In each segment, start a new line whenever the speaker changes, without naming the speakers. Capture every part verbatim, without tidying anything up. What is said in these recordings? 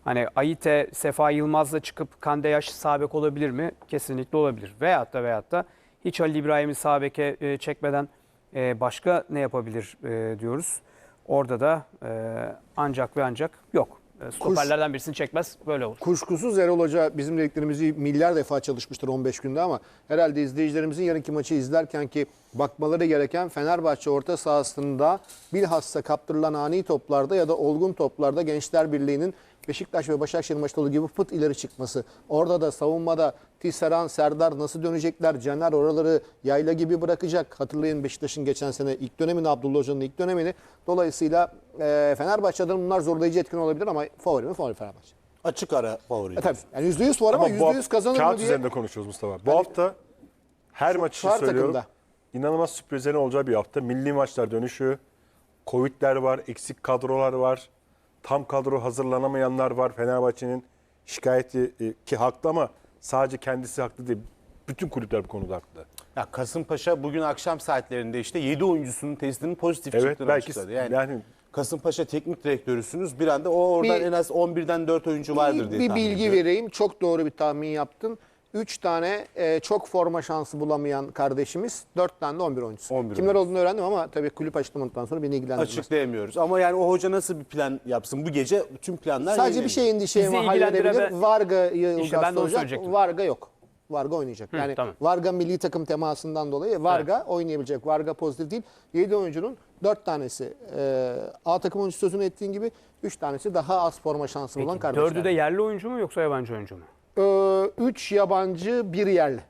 Hani Ayite, Sefa Yılmaz'la çıkıp Kandeyaş sağ bek olabilir mi? Kesinlikle olabilir. Veyahut da veyahut da hiç Halil İbrahim'i sağ beke e, çekmeden e, başka ne yapabilir e, diyoruz. Orada da e, ancak ve ancak yok. E, stoperlerden birisini çekmez, böyle olur.
Kuşkusuz Erol Hoca bizim dediklerimizi milyar defa çalışmıştır on beş günde ama herhalde izleyicilerimizin yarınki maçı izlerken ki bakmaları gereken Fenerbahçe orta sahasında bilhassa kaptırılan ani toplarda ya da olgun toplarda Gençler Birliği'nin Beşiktaş ve Başakşehir maçta olduğu gibi fıt ileri çıkması. Orada da savunmada Tisserand, Serdar nasıl dönecekler? Caner oraları yayla gibi bırakacak. Hatırlayın Beşiktaş'ın geçen sene ilk dönemini, Abdullah Hoca'nın ilk dönemini. Dolayısıyla e, Fenerbahçe adına bunlar zorlayıcı etkin olabilir ama favori mi? Favori Fenerbahçe.
Açık ara favori.
E tabii. Yani yüzde yüz var ama, ama yüzde yüz kazanır mı
kağıt
diye.
üzerinde konuşuyoruz Mustafa. Bu
Hani,
hafta her maç için söylüyorum.
Takımda.
İnanılmaz sürprizlerin olacağı bir hafta. Milli maçlar dönüşü, Covid'ler var, eksik kadrolar var. Tam kadro hazırlanamayanlar var. Fenerbahçe'nin şikayeti e, ki haklı ama sadece kendisi haklı değil. Bütün kulüpler bu konuda haklı.
Ya Kasımpaşa bugün akşam saatlerinde işte yedi oyuncusunun testinin pozitif
Evet,
çıktığını
belki
açıkladı. Yani,
yani
Kasımpaşa teknik direktörüsünüz. Bir anda o oradan
Bir-
en az on birden dört oyuncu vardır
Bir,
diye
bir
tahmin
bilgi
ediyorum.
vereyim. Çok doğru bir tahmin yaptın. üç tane e, çok forma şansı bulamayan kardeşimiz, dört tane de on bir oyuncusu.
on bir
Kimler
oyuncu.
olduğunu öğrendim ama tabii kulüp açıklamadıktan sonra beni ilgilendirmez.
Açıklayamıyoruz. Ama yani o hoca nasıl bir plan yapsın? Bu gece tüm planlar
Sadece bir
yayınlanıyor.
şey endişemi
Bizi
halledebilir.
ilgilendiren-
Varga'yı
İşte
Ilgaz
ben de onu
olacak.
söyleyecektim.
Varga yok. Varga oynayacak. Yani
tamam.
Varga milli takım temasından dolayı Varga oynayabilecek. Varga pozitif değil. yedi oyuncunun dört tanesi e, A takım oyuncusu sözünü ettiğin gibi üç tanesi daha az forma şansı bulan kardeşler.
Dördü de yerli oyuncu mu yoksa yabancı oyuncu mu?
üç yabancı, bir yerli.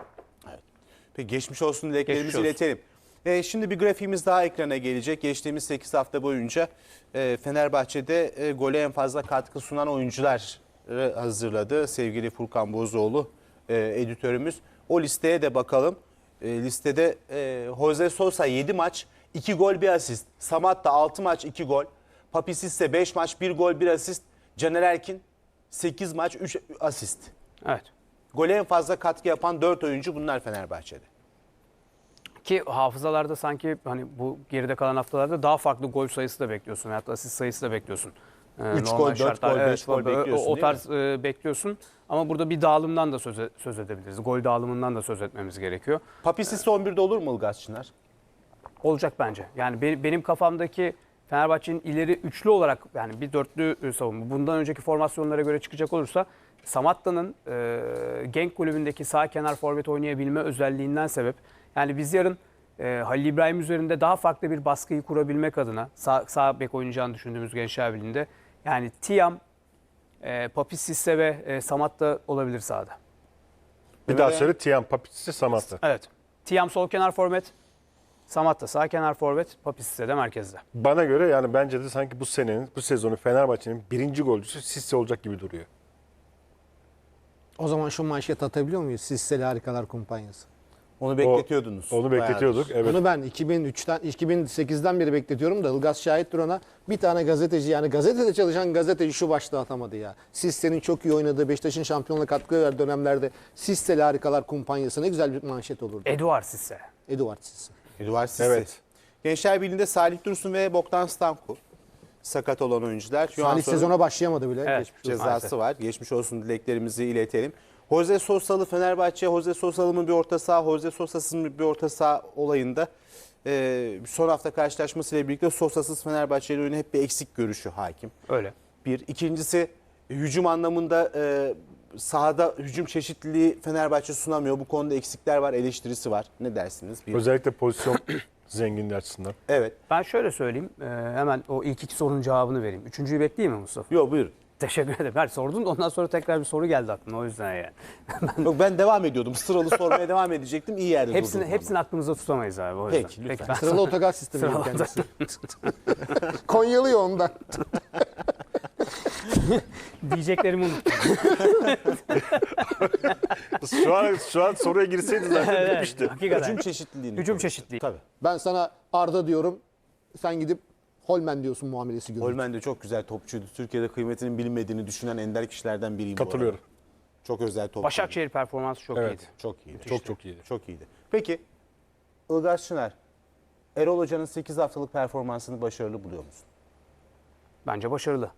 Peki geçmiş olsun dileklerimizi
Geçmiş olsun.
iletelim. E, şimdi bir grafiğimiz daha ekrana gelecek. Geçtiğimiz sekiz hafta boyunca e, Fenerbahçe'de e, gole en fazla katkı sunan oyuncuları hazırladı. Sevgili Furkan Bozoğlu e, editörümüz. O listeye de bakalım. E, listede e, Jose Sosa yedi maç, iki gol, bir asist. Samatta altı maç, iki gol. Papi Sisse beş maç, bir gol, bir asist. Caner Erkin sekiz maç, üç asist.
Evet.
Gole en fazla katkı yapan dört oyuncu bunlar Fenerbahçe'de.
Ki hafızalarda sanki hani bu geride kalan haftalarda daha farklı gol sayısı da bekliyorsun. Hatta asist sayısı da bekliyorsun. Ee,
Üç
normal
gol, dört
şartlar-
gol, beş gol
o-
bekliyorsun,
O, o
değil
tarz e, bekliyorsun. Ama burada bir dağılımdan da söz, e- söz edebiliriz. Gol dağılımından da söz etmemiz gerekiyor.
Papi Sisse on birde olur mu Ilgaz Çınar?
Olacak bence. Yani be- benim kafamdaki Fenerbahçe'nin ileri üçlü olarak yani bir dörtlü e, savunma. Bundan önceki formasyonlara göre çıkacak olursa Samatta'nın e, Genk kulübündeki sağ kenar forvet oynayabilme özelliğinden sebep. Yani biz yarın e, Halil İbrahim üzerinde daha farklı bir baskıyı kurabilmek adına sağ, sağ bek oynayacağını düşündüğümüz Gençler Birliği'nde yani Tiam, e, Papi Sisse ve e, Samatta olabilir sahada.
bir daha söyle Tiyan, Papitsi, Samatta.
Evet. Tiam sol kenar forvet, Samatta sağ kenar forvet, Papi Sisse de merkezde.
Bana göre yani bence de sanki bu senenin, bu sezonu Fenerbahçe'nin birinci golcüsü Sisse olacak gibi duruyor.
O zaman şu manşet atabiliyor muyuz? Sisseli Harikalar Kumpanyası.
Onu bekletiyordunuz.
Onu bekletiyorduk. Evet.
Bunu ben iki bin üçten, iki bin sekizden beri bekletiyorum da Ilgaz şahittir ona. Bir tane gazeteci yani gazetede çalışan gazeteci şu başlığı atamadı ya. Sisse'nin çok iyi oynadığı Beşiktaş'ın şampiyonluğa katkı verdiği dönemlerde Sisseli Harikalar Kumpanyası ne güzel bir manşet olurdu.
Eduard Sisse.
Eduard Sisse.
Eduard Sisse.
Evet.
Gençler Birliği'nde Salih Dursun ve Bogdan Stanku. Sakat olan oyuncular. Şu an
Salih
sonra
sezona başlayamadı bile.
Evet,
Geçmiş olsun.
cezası
maalesef.
var. Geçmiş olsun dileklerimizi iletelim. Jose Sosa'lı Fenerbahçe, Jose Sosa'lı bir orta saha, Jose Sosa'sız bir orta saha olayında e, son hafta karşılaşmasıyla birlikte Sosa'sız Fenerbahçe'yle oyunu hep bir eksik görüşü hakim.
Öyle.
Bir. İkincisi hücum anlamında e, sahada hücum çeşitliliği Fenerbahçe sunamıyor. Bu konuda eksikler var, eleştirisi var. Ne dersiniz? Bir.
Özellikle pozisyon zenginliği açısından.
Evet.
Ben şöyle söyleyeyim. e, hemen o ilk iki sorunun cevabını vereyim. Üçüncüyü bekleyeyim mi Mustafa?
Yok buyurun.
Teşekkür ederim. Her sordun da ondan sonra tekrar bir soru geldi aklıma. O yüzden yani.
Yok ben devam ediyordum. Sıralı sormaya devam edecektim. İyi yerde
Hepsini,
durdum
hepsini aklımızda tutamayız abi. O yüzden.
Peki, lütfen.
ben
Sıralı otogar sistemi
Sıralı
kendisi. Konyalı ya ondan.
diyeceklerimi unuttum.
Şu an şu an soruya girseydi zaten bitmişti.
Hakikaten.
Hücum çeşitliliğini.
Hücum
konuştuk.
çeşitliliği.
Tabii.
Ben sana Arda diyorum. Sen gidip Holmen diyorsun muamelesi görüyorsun.
Holmen de çok güzel topçuydu. Türkiye'de kıymetinin bilinmediğini düşünen ender kişilerden biriyim. bu
Katılıyorum.
arada. Çok özel topçu.
Başakşehir performansı çok
Evet.
iyiydi.
Çok iyiydi.
Çok çok iyiydi.
Çok iyiydi. Peki Ilgaz Çınar, Erol Hoca'nın sekiz haftalık performansını başarılı buluyor musun?
Bence başarılı.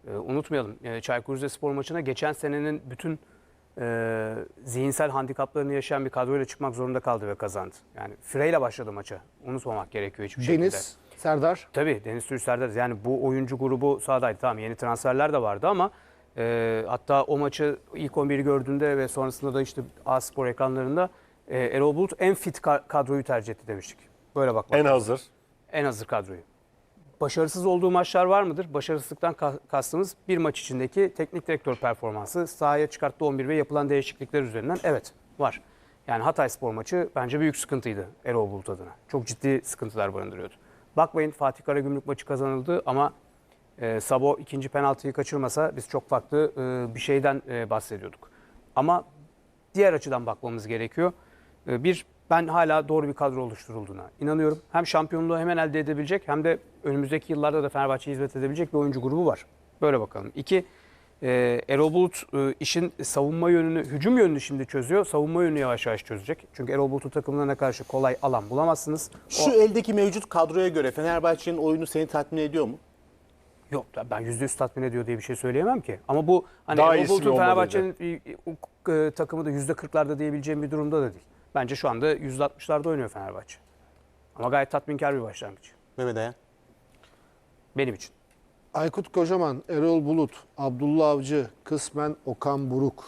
E, unutmayalım e, Çaykur Rizespor maçına geçen senenin bütün e, zihinsel handikaplarını yaşayan bir kadroyla çıkmak zorunda kaldı ve kazandı. Yani Freyle başladı maça. Unutmamak gerekiyor hiçbir şekilde.
Deniz, Serdar.
Tabii Deniz Türüç Serdar. Yani bu oyuncu grubu sahadaydı. Tamam yeni transferler de vardı ama e, hatta o maçı ilk on biri gördüğünde ve sonrasında da işte A-Spor ekranlarında e, Erol Bulut en fit ka- kadroyu tercih etti demiştik. Böyle bakmak
En
lazım.
hazır.
En hazır kadroyu. Başarısız olduğu maçlar var mıdır? Başarısızlıktan ka- kastımız bir maç içindeki teknik direktör performansı, sahaya çıkarttığı on bir ve yapılan değişiklikler üzerinden evet var. Yani Hatayspor maçı bence büyük sıkıntıydı Erol Bulut adına. Çok ciddi sıkıntılar barındırıyordu. Bakmayın Fatih Karagümrük maçı kazanıldı ama e, Sabo ikinci penaltıyı kaçırmasa biz çok farklı e, bir şeyden e, bahsediyorduk. Ama diğer açıdan bakmamız gerekiyor. E, bir, ben hala doğru bir kadro oluşturulduğuna inanıyorum. Hem şampiyonluğu hemen elde edebilecek hem de önümüzdeki yıllarda da Fenerbahçe'ye hizmet edebilecek bir oyuncu grubu var. Böyle bakalım. İki, e, Erol Bulut e, işin savunma yönünü, hücum yönünü şimdi çözüyor. Savunma yönünü yavaş yavaş çözecek. Çünkü Erol Bulut'un takımlarına karşı kolay alan bulamazsınız.
Şu eldeki mevcut kadroya göre Fenerbahçe'nin oyunu seni tatmin ediyor mu?
Yok ben yüzde yüz tatmin ediyor diye bir şey söyleyemem ki. Ama bu hani
Daha
Erol
iyisi
Bulut'un
olmalı
Fenerbahçe'nin e, e, takımı da yüzde kırklarda diyebileceğim bir durumda da değil. Bence şu anda yüzde altmışlarda oynuyor Fenerbahçe. Ama gayet tatminkar bir başlangıç.
Mehmet Ayan.
Benim için.
Aykut Kocaman, Erol Bulut, Abdullah Avcı, kısmen Okan Buruk,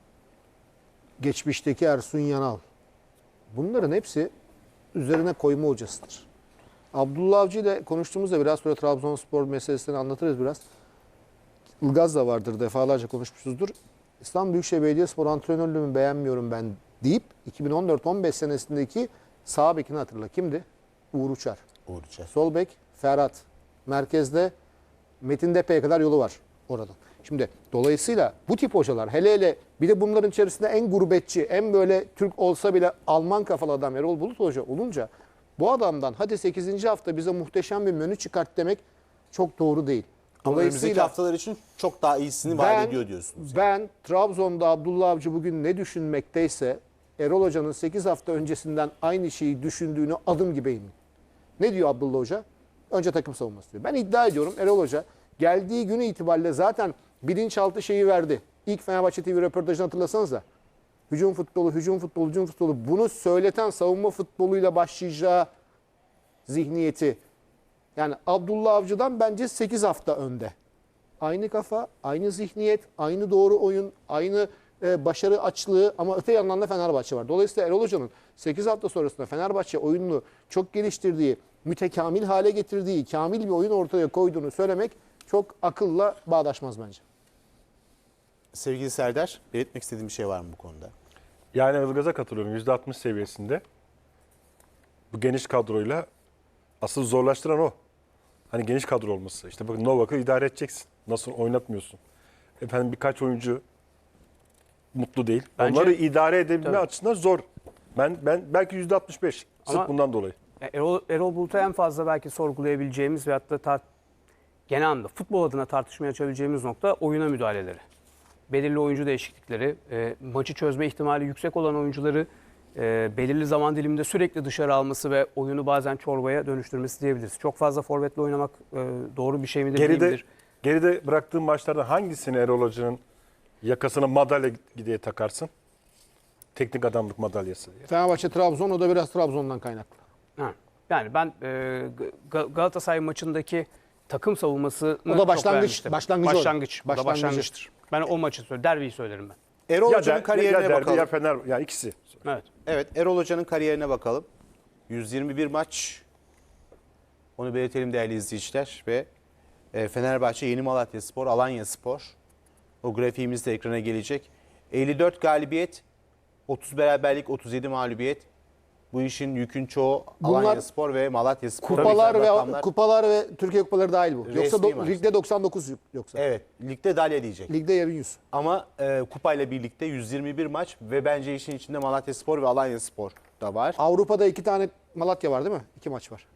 geçmişteki Ersun Yanal. Bunların hepsi üzerine koyma hocasıdır. Abdullah Avcı ile konuştuğumuzda biraz sonra Trabzonspor meselesini anlatırız biraz. Ilgaz da vardır, defalarca konuşmuşuzdur. İstanbul Büyükşehir Belediyespor antrenörlüğümü beğenmiyorum ben deyip iki bin on dört on beş senesindeki sağ bekini hatırla. Kimdi? Uğur Uçar.
Uğur Uçar.
Sol bek Ferhat. Merkezde Metin Depe'ye kadar yolu var orada. Şimdi dolayısıyla bu tip hocalar hele hele bir de bunların içerisinde en gurbetçi, en böyle Türk olsa bile Alman kafalı adam Erol Bulut Hoca olunca bu adamdan hadi sekizinci hafta bize muhteşem bir menü çıkart demek çok doğru değil.
Ama önümüzdeki
Dolayısıyla
haftalar için çok daha iyisini vaat ediyor diyorsunuz.
ben Trabzon'da Abdullah Avcı bugün ne düşünmekteyse Erol Hoca'nın sekiz hafta öncesinden aynı şeyi düşündüğünü adım gibi eminim. Ne diyor Abdullah Hoca? Önce takım savunması diyor. Ben iddia ediyorum Erol Hoca geldiği günü itibariyle zaten bilinçaltı şeyi verdi. İlk Fenerbahçe T V röportajını hatırlasanız da hücum futbolu, hücum futbolu, hücum futbolu bunu söyleten savunma futboluyla başlayacağı zihniyeti. Yani Abdullah Avcı'dan bence sekiz hafta önde. Aynı kafa, aynı zihniyet, aynı doğru oyun, aynı e, başarı açlığı ama öte yandan da Fenerbahçe var. Dolayısıyla Erol Hoca'nın sekiz hafta sonrasında Fenerbahçe oyununu çok geliştirdiği, mütekamil hale getirdiği, kamil bir oyun ortaya koyduğunu söylemek çok akılla bağdaşmaz bence.
Sevgili Serdar, belirtmek istediğin bir şey var mı bu konuda?
Yani Ilgaz'a katılıyorum. yüzde altmış seviyesinde. Bu geniş kadroyla asıl zorlaştıran o. Hani geniş kadro olması. İşte bakın Novak'ı idare edeceksin. Nasıl oynatmıyorsun? Efendim birkaç oyuncu mutlu değil.
Bence-
Onları idare edebilme
Tabii.
açısından zor. Ben ben belki yüzde altmış beş. Sırf
Ama-
bundan dolayı.
Ya Erol, Erol Bulut'a en fazla belki sorgulayabileceğimiz ve hatta tar- genel anlamda futbol adına tartışmaya açabileceğimiz nokta oyuna müdahaleleri. Belirli oyuncu değişiklikleri, e, maçı çözme ihtimali yüksek olan oyuncuları e, belirli zaman diliminde sürekli dışarı alması ve oyunu bazen çorbaya dönüştürmesi diyebiliriz. Çok fazla forvetle oynamak e, doğru bir şey midir değil
Geride
midir?
geride bıraktığın maçlardan hangisini Erol Hoca'nın yakasına madalya diye takarsın? Teknik adamlık madalyası diye.
Fenerbahçe Trabzon o da biraz Trabzon'dan kaynaklı.
Ha. Yani ben e, Ga- Galatasaray maçındaki takım savunmasını
O da
çok
başlangıç-
beğenmiştim.
başlangıcı o.
Başlangıç. Bu da
Başlangıcı.
başlangıçtır. Ben o maçı söylerim. Derbiyi söylerim ben.
Erol
Ya,
Hoca'nın
der,
kariyerine
ya derbi
bakalım.
ya Fener ya ikisi.
Evet.
Evet, Erol Hoca'nın kariyerine bakalım. yüz yirmi bir maç. Onu belirtelim değerli izleyiciler. Ve e, Fenerbahçe, Yeni Malatyaspor, Alanyaspor. O grafiğimiz de ekrana gelecek. elli dört galibiyet, otuz beraberlik, otuz yedi mağlubiyet. Bu işin yükün çoğu
Bunlar
Alanyaspor ve Malatyaspor.
Kupalar
Güzel
ve
rakamlar.
kupalar ve Türkiye kupaları dahil bu. Yoksa
Resmi
do-
maç.
ligde doksan dokuz yoksa.
Evet, ligde dalya diyecek.
Ligde yarı yüz.
Ama e, kupayla birlikte yüz yirmi bir maç ve bence işin içinde Malatyaspor ve Alanyaspor da var.
Avrupa'da iki tane Malatya var değil mi? İki maç var.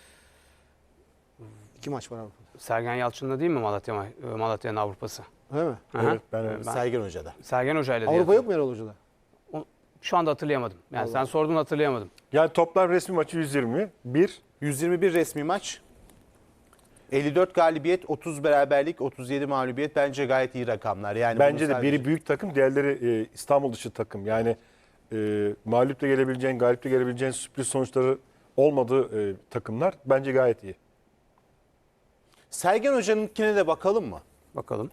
İki maç var Avrupa'da.
Sergen Yalçın'la değil mi Malatya Malatya'nın Avrupa'sı?
Değil mi?
Aha.
Evet, ben öyle.
Ben-
Sergen Hoca'da.
Sergen Hoca'yla diye
Avrupa yok mu Erol Hoca'da?
O- Şu anda hatırlayamadım. Yani sen sordun hatırlayamadım.
Yani toplam resmi maçı yüz yirmi bir.
yüz yirmi bir resmi maç. elli dört galibiyet, otuz beraberlik, otuz yedi mağlubiyet bence gayet iyi rakamlar. Yani
Bence
bunu
de
sadece-
biri büyük takım, diğerleri e, İstanbul dışı takım. Yani e, mağlup da gelebileceğin, galip de gelebileceğin sürpriz sonuçları olmadığı e, takımlar bence gayet iyi.
Sergen Hoca'nınkine de bakalım mı?
Bakalım.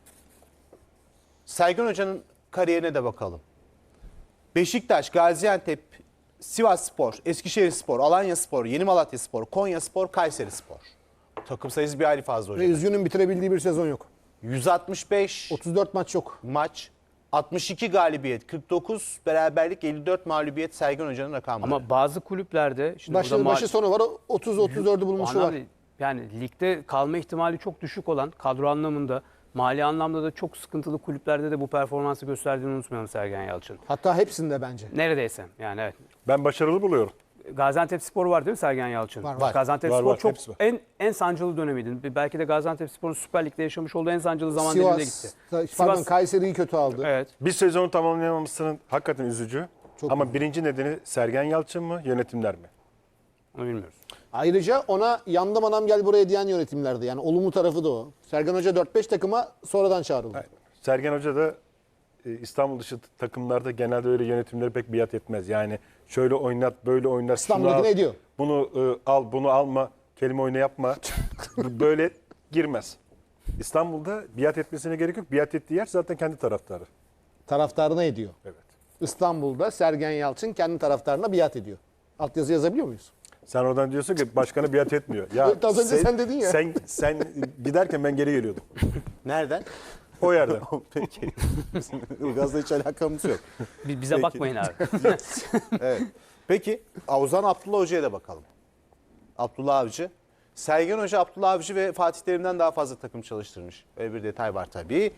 Sergen Hoca'nın kariyerine de bakalım. Beşiktaş, Gaziantep, Sivasspor, Eskişehirspor, Alanyaspor, Yeni Malatyaspor, Konyaspor, Kayserispor. Takım sayısı bir hayli fazla
Ve
hocam.
üzgünüm bitirebildiği bir sezon yok.
yüz altmış beş
otuz dört maç yok.
maç, altmış iki galibiyet, kırk dokuz beraberlik, elli dört mağlubiyet Sergen Hoca'nın rakamları.
Ama bazı kulüplerde şimdi
Başı,
burada ma-
başı sonu var. otuz otuz dördü
O
bulmuşu var.
anlamda- Yani ligde kalma ihtimali çok düşük olan, kadro anlamında, mali anlamda da çok sıkıntılı kulüplerde de bu performansı gösterdiğini unutmayalım Sergen Yalçın.
Hatta hepsinde bence.
Neredeyse yani evet.
Ben başarılı buluyorum.
Gaziantepspor var değil mi Sergen Yalçın?
Var, var.
Gaziantepspor
Var, var,
çok
hepsi var.
en en sancılı dönemiydi. Belki de Gaziantepspor'un Süper Lig'de yaşamış olduğu en sancılı zaman diliminde gitti.
Sivas, pardon Kayseri'yi kötü aldı.
Evet.
Bir sezonu tamamlayamamasının hakikaten üzücü.
Çok
Ama
üzücü.
birinci nedeni Sergen Yalçın mı, yönetimler mi?
Onu bilmiyoruz.
Ayrıca ona yandım anam gel buraya diyen yönetimlerdi. Yani olumlu tarafı da o. Sergen Hoca dört beş takıma sonradan çağrıldı.
Aynen. Sergen Hoca da e, İstanbul dışı takımlarda genelde öyle yönetimleri pek biat etmez. Yani şöyle oynat, böyle oynat. şunu
İstanbul'dakini
al,
ediyor.
Bunu e, al, bunu alma, kelime oyunu yapma. Bu böyle girmez. İstanbul'da biat etmesine gerek yok. Biat ettiği yer zaten kendi taraftarı.
Taraftarına ediyor.
Evet.
İstanbul'da Sergen Yalçın kendi taraftarına biat ediyor. Altyazı yazabiliyor muyuz?
Sen oradan diyorsun ki başkanı biat etmiyor. Ya
Az önce sen dedin ya.
Sen, sen giderken ben geri geliyordum.
Nereden?
O yerden.
Peki. Ilgaz'la hiç alakamız yok.
Bi- Bize
Peki.
bakmayın abi.
Evet. Peki Ozan Abdullah Hoca'ya da bakalım. Abdullah Avcı. Sergen Hoca, Abdullah Avcı ve Fatih Terim'den daha fazla takım çalıştırmış. Öyle bir detay var tabii.